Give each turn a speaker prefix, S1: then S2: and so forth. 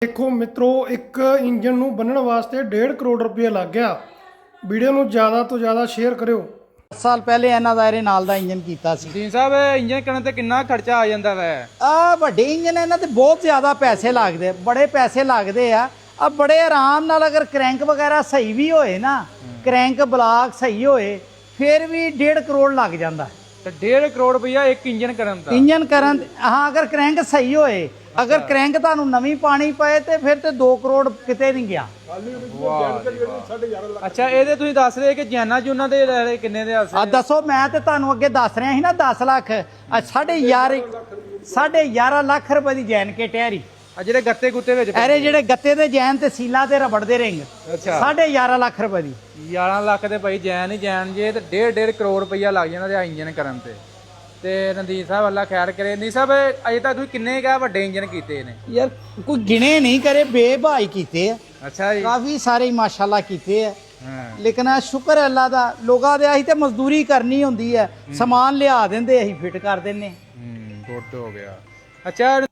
S1: देखो मित्रों, एक इंजन ਨੂੰ ਬੰਨਣ ਵਾਸਤੇ 1.5 ਕਰੋੜ ਰੁਪਏ ਲੱਗ ਗਿਆ। ਵੀਡੀਓ ਨੂੰ ਜ਼ਿਆਦਾ ਤੋਂ ਜ਼ਿਆਦਾ ਸ਼ੇਅਰ ਕਰਿਓ।
S2: 10 ਸਾਲ ਪਹਿਲੇ ਇਹਨਾਂ ਦਾ ਇਹਦੇ ਨਾਲ ਦਾ ਇੰਜਨ ਕੀਤਾ ਸੀ।
S3: ਜੀ ਸਾਹਿਬ ਇੰਜਨ ਕਰਨ ਤੇ ਕਿੰਨਾ ਖਰਚਾ ਆ ਜਾਂਦਾ ਵੈ?
S2: ਆ ਵੱਡੇ ਇੰਜਨ ਇਹਨਾਂ ਤੇ ਬਹੁਤ ਜ਼ਿਆਦਾ ਪੈਸੇ ਲੱਗਦੇ, ਬੜੇ ਪੈਸੇ ਲੱਗਦੇ ਆ। ਬੜੇ ਆਰਾਮ ਨਾਲ ਅਗਰ ਕ੍ਰੈਂਕ ਵਗੈਰਾ ਸਹੀ ਵੀ ਹੋਏ ਨਾ, ਕ੍ਰੈਂਕ ਬਲਾਕ ਸਹੀ ਹੋਏ, ਫਿਰ ਵੀ 1.5 ਕਰੋੜ ਲੱਗ ਜਾਂਦਾ।
S3: ਤੇ 1.5 ਕਰੋੜ ਰੁਪਇਆ ਇੱਕ ਇੰਜਨ ਕਰਨ ਦਾ?
S2: ਇੰਜਨ ਕਰਨ, ਹਾਂ, ਅਗਰ ਕ੍ਰੈਂਕ ਸਹੀ ਹੋਏ। ਅਗਰ ਕ੍ਰੈਂਕ ਤੁਹਾਨੂੰ ਨਵੀਂ ਪਾਣੀ ਪਏ ਤੇ ਫਿਰ ਤੇ 2 ਕਰੋੜ ਕਿਤੇ ਨਹੀਂ ਗਿਆ।
S3: ਅੱਛਾ, ਇਹਦੇ ਤੁਸੀਂ ਦੱਸ ਰਹੇ ਕਿ ਜਾਨਾ ਜੂਨਾ ਦੇ ਕਿੰਨੇ ਦੇ
S2: ਆ ਦੱਸੋ, ਮੈਂ ਤੇ ਤੁਹਾਨੂੰ ਅੱਗੇ ਦੱਸ ਰਿਹਾ ਸੀ ਨਾ 10 ਲੱਖ। 11.5 ਲੱਖ ਰੁਪਏ ਦੀ ਜੈਨ ਕੇ ਟਹਿਰੀ।
S3: ਆ ਜਿਹੜੇ ਗੱਤੇ ਗੁੱਤੇ ਵਿੱਚ
S2: ਅਰੇ ਜਿਹੜੇ ਗੱਤੇ ਦੇ ਜੈਨ ਤੇ ਸੀਲਾ ਤੇ ਰਬੜ ਦੇ ਰਿੰਗ,
S3: ਅੱਛਾ,
S2: 11.5 ਲੱਖ ਰੁਪਏ ਦੀ।
S3: 11 ਲੱਖ ਦੇ ਭਾਈ ਜੈਨ ਹੀ ਜੈਨ ਜੇ, ਤੇ 1.5 ਕਰੋੜ ਰੁਪਇਆ ਲੱਗ ਜਾਂਦਾ ਤੇ ਇੰਜਨ ਕਰਨ ਤੇ ਰਣਜੀਤ ਸਾਹਿਬ ਅੱਲਾ ਖੈਰ ਕਰੇ। ਨਹੀਂ ਸਾਹਿਬ, ਅਜੇ ਤੱਕ ਤੁਸੀਂ ਕਿੰਨੇ ਕਾ ਵੱਡੇ ਇੰਜਨ ਕੀਤੇ ਨੇ?
S2: ਯਾਰ ਕੋਈ ਗਿਣੇ ਨਹੀਂ ਕਰੇ, ਬੇਭਾਈ ਕੀਤੇ ਆ।
S3: ਅੱਛਾ ਜੀ,
S2: ਕਾਫੀ ਸਾਰੇ ਮਾਸ਼ਾਅੱਲਾ ਕੀਤੇ ਆ।
S3: ਹਾਂ,
S2: ਲੇਕਿਨ ਆ ਸ਼ੁਕਰ ਹੈ ਅੱਲਾ ਦਾ, ਲੋਕਾਂ ਦੇ ਅਸੀਂ ਤੇ ਮਜ਼ਦੂਰੀ ਕਰਨੀ ਹੁੰਦੀ ਹੈ, ਸਮਾਨ ਲਿਆ ਦਿੰਦੇ, ਅਸੀਂ ਫਿੱਟ ਕਰ ਦਿੰਨੇ।
S3: ਗੁੱਡ ਹੋ ਗਿਆ। ਅੱਛਾ